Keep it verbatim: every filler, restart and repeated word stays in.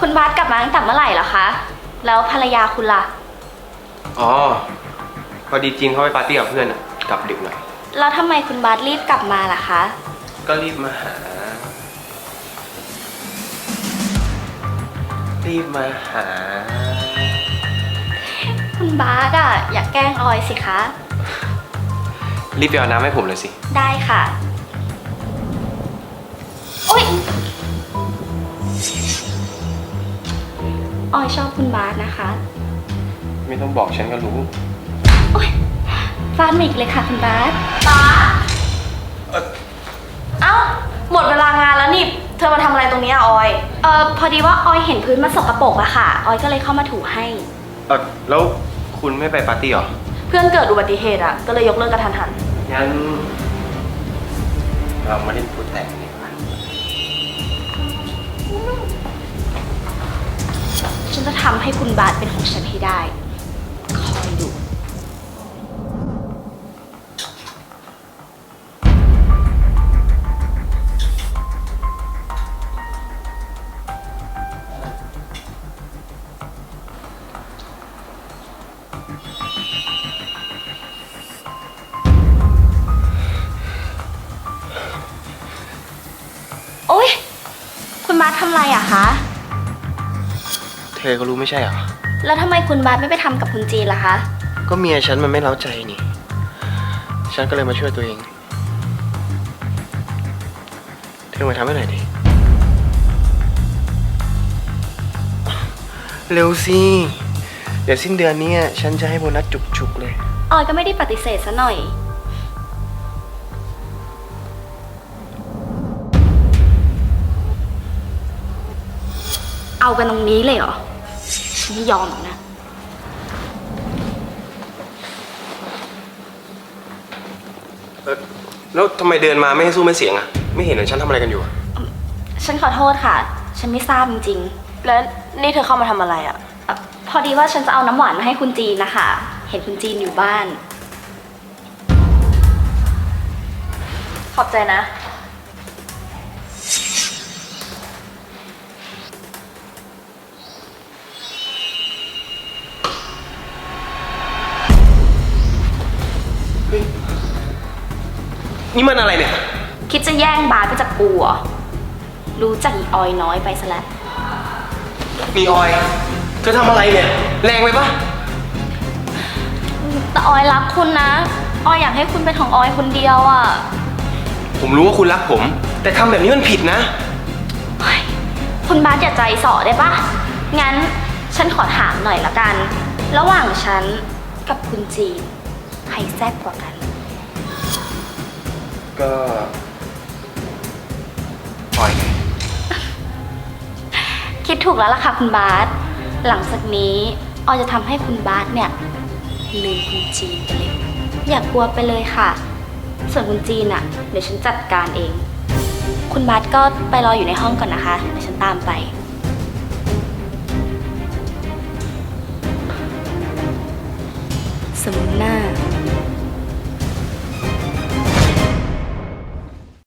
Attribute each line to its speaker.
Speaker 1: คุณบาสกลับมาตั้งแต่เมื่อไหร่เหรอคะ แล้วภรรยาคุณล่ะ
Speaker 2: อ๋อ พอดีจีนเขาไปปาร์ตี้กับเพื่อนอะกลับดึกหน่อย
Speaker 1: แล้วทำไมคุณบาสรีบกลับมาล่ะคะ
Speaker 2: ก็รีบมาหา รีบมาหา
Speaker 1: คุณบาสอะอยากแกล้งออยสิคะ
Speaker 2: รีบไปเอาน้ำให้ผมเลยสิ
Speaker 1: ได้ค่ะโอ๊ยออยชอบคุณบาสนะคะ
Speaker 2: ไม่ต้องบอกฉันก็รู้
Speaker 1: โอ๊ยฟาดมิกเลยค่ะคุณบาส
Speaker 3: ตาเอ้า หมดเวลางานแล้วนี่ เธอมาทำอะไรตรงนี้อะออย
Speaker 1: เอ่อพอดีว่าออยเห็นพื้นมันสกปรกอะค่ะ ออยก็เลยเข้ามาถูให้
Speaker 2: เออแล้วคุณไม่ไปปาร์ตี้เหรอ
Speaker 3: เพื่อนเกิดอุบัติเหตุอะก็เลยยกเลิกกระทันหัน
Speaker 2: งั้น เรามาเล่นพูดแต่งดีกว่า
Speaker 1: ฉันจะทำให้คุณบาสเป็นของฉันให้ได้ คอยดู โอ๊ย คุณบาสทำอะไรอะคะ
Speaker 2: เธอก็รู้ไม่ใช่เหรอ
Speaker 1: แล้วทำไมคุณบาสไม่ไปทำกับคุณจีนล่ะคะ
Speaker 2: ก็เมียฉันมันไม่เล้าใจนี่ ฉันก็เลยมาช่วยตัวเอง เธอมาทำให้หน่อยดิ เร็วสิ เดี๋ยวสิ้นเดือนนี้ฉันจะให้โบนัสจุกๆเลย
Speaker 1: ออยก็ไม่ได้ปฏิเสธซะหน่อย เอากันตรงนี้เลยเหรอฉันไม่ยอมหรอกนะ
Speaker 2: เออแล้วทำไมเดินมาไม่ให้สู้ไม่เสียงอะไม่เห็นเหรอฉันทำอะไรกันอยู่อะ
Speaker 1: ฉันขอโทษค่ะ ฉันไม่ทราบจริง
Speaker 3: แล้วนี่เธอเข้ามาทำอะไรอะ
Speaker 1: ๆเอ่อพอดีว่าฉันจะเอาน้ำหวานมาให้คุณจีนนะคะ เห็นคุณจีนอยู่บ้าน
Speaker 3: ขอบใจนะ
Speaker 2: นี่มันอะไรเนี่ย
Speaker 1: คิดจะแย่งบาสไปจากกูเหรอ รู้จักอีออยน้อยไปซะแล้ว
Speaker 2: นี่ออย เธอทำอะไรเนี่ย แรงไปปะ
Speaker 1: แต่ออยรักคุณนะ ออยอยากให้คุณเป็นของออยคนเดียวอะ่ะ
Speaker 2: ผมรู้ว่าคุณรักผม แต่ทำแบบนี้มันผิดนะ
Speaker 1: เฮ้ยคุณบาสอย่าใจส่อได้ปะงั้นฉันขอถามหน่อยละกัน ระหว่างฉันกับคุณจีนใครแซ่บกว่ากัน
Speaker 2: ก็ออยไง
Speaker 1: คิดถูกแล้วล่ะค่ะคุณบาส หลังจากนี้ออยจะทำให้คุณบาสเนี่ยลืมคุณจีนไปเลย อย่ากลัวไปเลยค่ะ ส่วนคุณจีนอะเดี๋ยวฉันจัดการเอง คุณบาสก็ไปรออยู่ในห้องก่อนนะคะ เดี๋ยวฉันตามไป สมหน้า